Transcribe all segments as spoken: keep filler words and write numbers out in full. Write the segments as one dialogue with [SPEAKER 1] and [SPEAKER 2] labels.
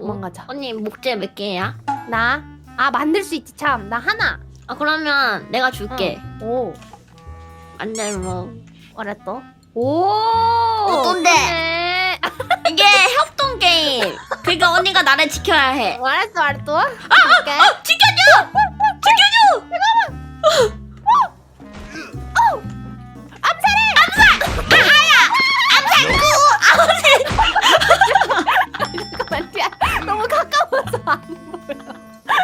[SPEAKER 1] 도망가자.
[SPEAKER 2] 언니 목재 몇 개야?
[SPEAKER 1] 나? 아 만들 수 있지 참. 나 하나.
[SPEAKER 2] 아 그러면 내가 줄게.
[SPEAKER 1] 오.
[SPEAKER 2] 안될로.
[SPEAKER 1] 알았어. 오.
[SPEAKER 2] 어떤데? 이게 협동 게임. 그러니까 언니가 나를 지켜야 해.
[SPEAKER 1] 알았어 알았어.
[SPEAKER 2] 아, 아, 지켜줘! 지켜줘!
[SPEAKER 1] 암살해!
[SPEAKER 2] 암살! 아야! 암살!
[SPEAKER 1] 잠깐만 야, 너무 가까워서 안 보여.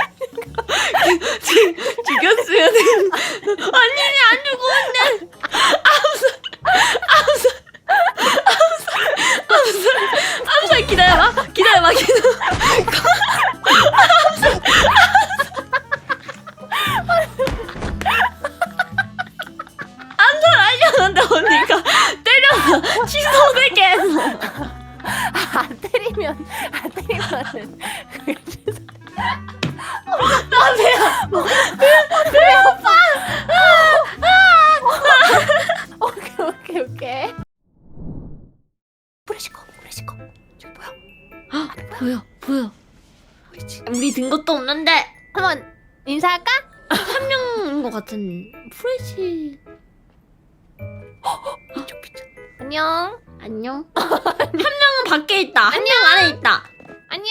[SPEAKER 2] 죽였어야 돼. 언니 안 죽었는데. 암살! 암살! 암살! 암살! 암살 기다려봐. 기다려봐. 기다려봐. 암살! 암살하려는데 언니가 때려서 취소되게 했어.
[SPEAKER 1] 아, 안 때리면 안 때리면은 그게 취소.
[SPEAKER 2] 나 배야. 배야 오빠.
[SPEAKER 1] 오케이 오케이 오케이. 프레시커 프레시커 저기 보여?
[SPEAKER 2] 아, 보여 보여.
[SPEAKER 1] 보이지?
[SPEAKER 2] 우리 든 것도 없는데
[SPEAKER 1] 한번 인사할까?
[SPEAKER 2] 한 명인 것 같은 프레시.
[SPEAKER 1] 비춰 비춰. 안녕.
[SPEAKER 2] 안녕. 한 명은 밖에 있다. 한 명 안에 있다.
[SPEAKER 1] 안녕.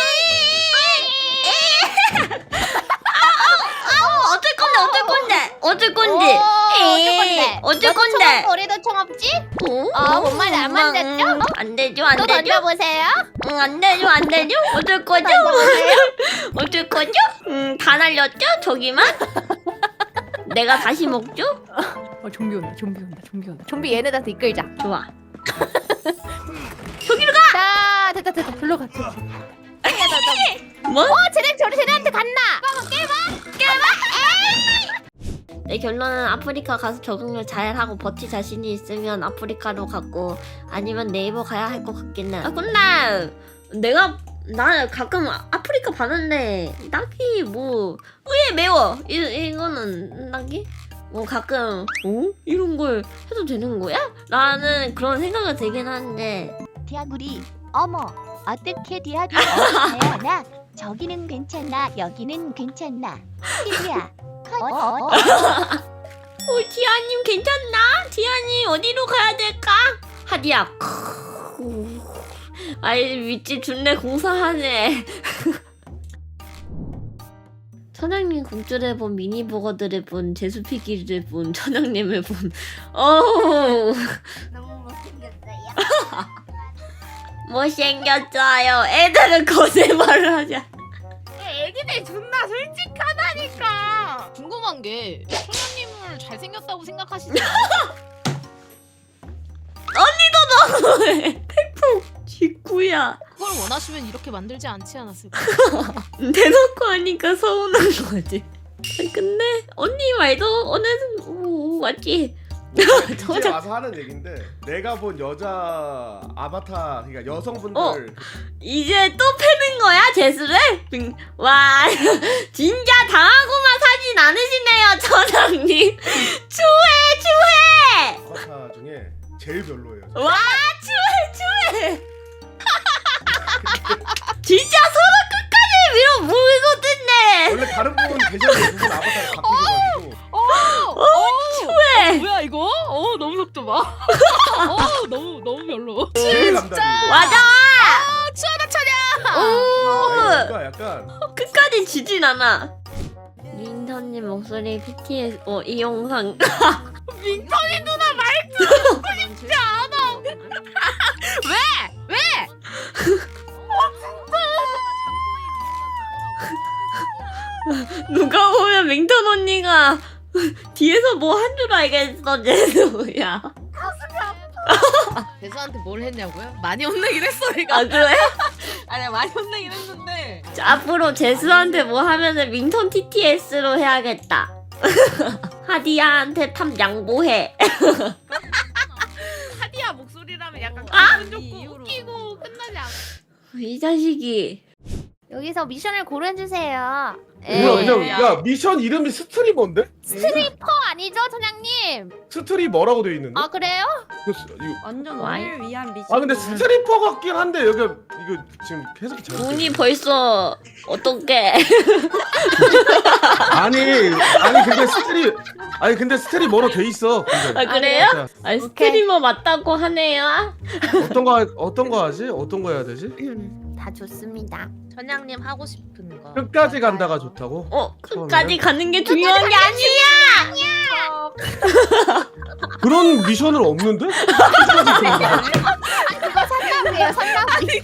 [SPEAKER 2] 아, 어쩔 건데 어쩔 건데 어쩔 건데.
[SPEAKER 1] 오, 어쩔 건데?
[SPEAKER 2] 어쩔
[SPEAKER 1] 너도
[SPEAKER 2] 건데.
[SPEAKER 1] 총 없고 우리도 총 없지? 어, 뭔 말이 안 맞았죠?
[SPEAKER 2] 음, 안 되죠 안
[SPEAKER 1] 또
[SPEAKER 2] 되죠.
[SPEAKER 1] 던져보세요.
[SPEAKER 2] 응, 안 되죠 안 되죠. 어쩔 거죠?
[SPEAKER 1] 던져보세요.
[SPEAKER 2] 어쩔 거죠? 음, 다 날렸죠 저기만. 내가 다시 먹죠?
[SPEAKER 1] 어 좀비 온다 좀비 온다 좀비 온다. 좀비 얘네들한테 이끌자.
[SPEAKER 2] 좋아. 저기로 가.
[SPEAKER 1] 자 됐다 됐다 불러 가. 불러 가.
[SPEAKER 2] 뭐?
[SPEAKER 1] 어 쟤네 저리 쟤네한테 갔나? 까봐 깨봐.
[SPEAKER 2] 내 결론은 아프리카 가서 적응을 잘하고 버티 자신이 있으면 아프리카로 가고 아니면 네이버 가야 할 것 같긴 해. 아 근데 내가 나 가끔 아프리카 봤는데 딱히 뭐 의외 매워 이, 이거는 딱히 뭐 가끔 어? 이런 걸 해도 되는 거야? 라는 그런 생각이 들긴 하는데
[SPEAKER 3] 디아구리 어머 어떻게 디아구리 어나 저기는 괜찮나 여기는 괜찮나 피디야 컷 어, 어, 어.
[SPEAKER 2] 어, 디아님 괜찮나? 디아님 어디로 가야 될까? 하디야 아이 윗집 준내 공사하네. 천양님 국주를 본 미니버거들을 본 제수피기를 본 천양님을 본 어우
[SPEAKER 3] 너무 못생겼어요.
[SPEAKER 2] 못생겼어요. 애들은 거짓말을 하자.
[SPEAKER 1] 애기들 존나 솔직하다니까.
[SPEAKER 4] 궁금한 게 소녀님을 잘생겼다고 생각하시지
[SPEAKER 2] 태풍 직구야.
[SPEAKER 4] 그걸 원하시면 이렇게 만들지 않지 않았을까?
[SPEAKER 2] 대놓고 하니까 서운한 거지. 근데 언니 말도 어느 오, 맞지?
[SPEAKER 5] 이제 와서 하는 얘긴데 내가 본 여자 아바타 그러니까 여성분들
[SPEAKER 2] 어. 이제 또 패는 거야 제수를? 빙- 와 진짜 당하고만 사진 않으시네요 천왕님. 추해 추해.
[SPEAKER 5] 아바타 중에 제일 별로예요.
[SPEAKER 2] 와 추해 추해. 진짜 서로 끝까지 밀어 모으거든요.
[SPEAKER 5] 원래 다른 분 계셨는데 그분 아바타를 바꾸셔가지고
[SPEAKER 4] 어,
[SPEAKER 2] 추해.
[SPEAKER 4] 뭐야 이거? 어 너무 속도 봐. 어 너무 너무 별로.
[SPEAKER 5] 제일 남다리.
[SPEAKER 2] 맞아.
[SPEAKER 4] 추하다 차냐?
[SPEAKER 2] 오.
[SPEAKER 5] 뭔가 약간
[SPEAKER 2] 끝까지 지진 않아. 민선님 목소리 비티에스 어 이 영상
[SPEAKER 4] 민턴이 누나 말투 진짜 않아. 왜? 왜?
[SPEAKER 2] 누가 보면 맹턴 언니가 뒤에서 뭐 한 줄 알겠어 제수야.
[SPEAKER 4] 대수한테 뭘 했냐고요? 많이 혼내긴 했어 내가.
[SPEAKER 2] 아 그래?
[SPEAKER 4] 아니 많이 혼내긴 했는데.
[SPEAKER 2] 자, 앞으로 제수한테 뭐 하면은 밍턴 티티에스로 해야겠다. 하디야한테 탑 양보해.
[SPEAKER 4] 하디야 목소리라면 약간
[SPEAKER 2] 아!
[SPEAKER 4] 기분 좋고 웃기고 끝나지 않아.
[SPEAKER 2] 이 자식이.
[SPEAKER 1] 여기서 미션을 고르주세요.
[SPEAKER 5] 뭐야
[SPEAKER 1] 에.
[SPEAKER 5] 그냥 야 미션 이름이 스트리머인데?
[SPEAKER 1] 스트리퍼 아니죠, 천양님? 선장님.
[SPEAKER 5] 스트리 뭐라고 돼 있는데?
[SPEAKER 1] 아 그래요?
[SPEAKER 5] 이거 스- 이거-
[SPEAKER 4] 완전
[SPEAKER 2] 와이.
[SPEAKER 4] 오늘 위한 미션.
[SPEAKER 5] 아 근데 스트리퍼 같긴 한데 여기 이거 지금 해석이 잘못.
[SPEAKER 2] 눈이 벌써 어떻게?
[SPEAKER 5] 아니 아니 근데 스트리 아니 근데 스트리 뭐로 돼 있어. 근데.
[SPEAKER 2] 아 그래요?
[SPEAKER 5] 자,
[SPEAKER 2] 아 스트리머 맞다고 하네요.
[SPEAKER 5] 어떤 거 하- 어떤 거 하지? 어떤 거 해야 되지?
[SPEAKER 1] 다 좋습니다.
[SPEAKER 4] 전장님 하고 싶은 거.
[SPEAKER 5] 끝까지 간다가 좋다고?
[SPEAKER 2] 어 끝까지 가는 게 중요한 게 아니야.
[SPEAKER 5] 그런 미션은 없는데?
[SPEAKER 1] 그거 선장이에요 선장이.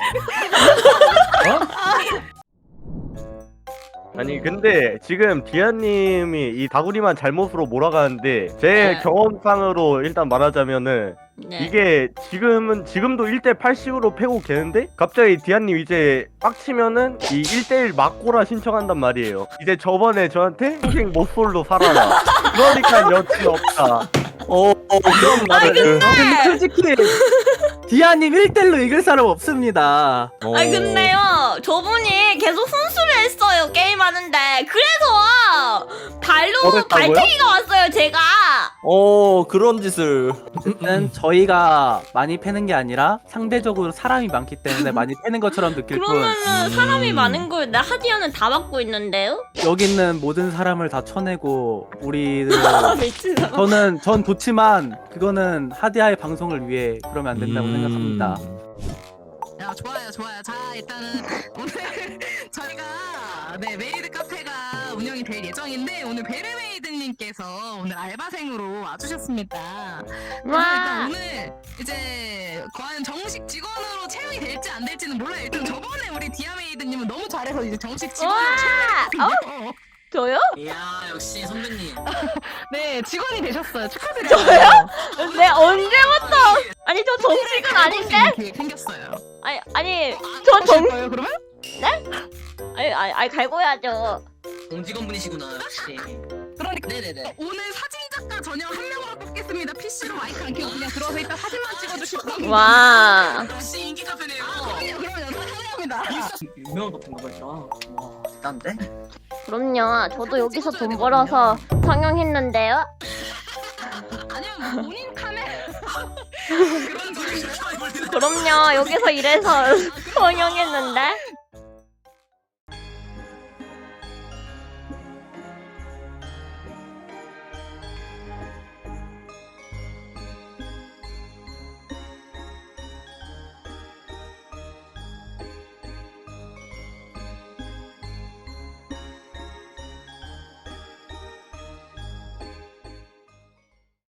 [SPEAKER 6] 아니 근데 지금 디아님이 이 다구리만 잘못으로 몰아가는데 제
[SPEAKER 2] 네.
[SPEAKER 6] 경험상으로 일단 말하자면은
[SPEAKER 2] 네.
[SPEAKER 6] 이게 지금은 지금도 일 대 팔십으로 패고 계는데 갑자기 디아님 이제 빡치면은 이 일 대 일 맞고라 신청한단 말이에요. 이제 저번에 저한테 평생 모쏠로 살아라. 그러니까 여친 없다. 어, 어 그런 말을.
[SPEAKER 7] 근데 솔직히 디아님 일 대 일로 이길 사람 없습니다.
[SPEAKER 6] 어.
[SPEAKER 2] 아니 근데요 저분이 계속 훈수를 했어요 게임하는데 그래서 발로
[SPEAKER 6] 어땠다고요?
[SPEAKER 2] 발탱이가 왔어요 제가.
[SPEAKER 8] 어 그런 짓을
[SPEAKER 7] 어쨌든 저희가 많이 패는 게 아니라 상대적으로 사람이 많기 때문에 많이 패는 것처럼 느낄 뿐
[SPEAKER 2] 그러면은 사람이
[SPEAKER 8] 음.
[SPEAKER 2] 많은 걸 나 하디언은 다 받고 있는데요?
[SPEAKER 7] 여기 있는 모든 사람을 다 쳐내고 우리를
[SPEAKER 2] 미친 사람.
[SPEAKER 7] 저는 전 좋지만 그거는 하디아의 방송을 위해 그러면 안 된다고
[SPEAKER 8] 음.
[SPEAKER 7] 생각합니다.
[SPEAKER 9] 야 좋아요 좋아요. 자 일단은 오늘 저희가 네 메이드 카페가 운영이 될 예정인데 오늘 베르메이드님께서 오늘 알바생으로 와주셨습니다. 그래서 일단 오늘 이제 과연 정식 직원으로 채용이 될지 안 될지는 몰라요. 일단 저번에 우리 디아메이드님은 너무 잘해서 이제 정식 직원으로
[SPEAKER 2] 와!
[SPEAKER 9] 채용했거든요.
[SPEAKER 2] 저요?
[SPEAKER 9] 이야 역시 선배님. 네 직원이 되셨어요. 축하드려요.
[SPEAKER 2] 네 언제부터? 아니 저 정식은 아닌데?
[SPEAKER 9] 계획 생겼어요.
[SPEAKER 2] 아니 아니
[SPEAKER 9] 아,
[SPEAKER 2] 저
[SPEAKER 9] 하실
[SPEAKER 2] 정
[SPEAKER 9] 거예요 그러면?
[SPEAKER 2] 아니 아니, 아니 갈고야죠.
[SPEAKER 9] 공직원분이시구나 역시. 그러니까 네네네. 오늘 사진 작가 전형 한 명으로 뽑겠습니다. 피씨로 마이크 안 켜고 그냥 들어서 일단 사진만 찍어주실 겁니다.
[SPEAKER 2] 와.
[SPEAKER 9] 역시 인기 카페네요. 그러면 사랑합니다. 유명한 카페인가 보다. 와 대단데?
[SPEAKER 2] 그럼요. 저도 여기서 돈 벌어서 성형했는데요.
[SPEAKER 9] 아니면 뭐 본인 카메라 그런 소리.
[SPEAKER 2] 그럼요. 여기서 일해서 성형했는데.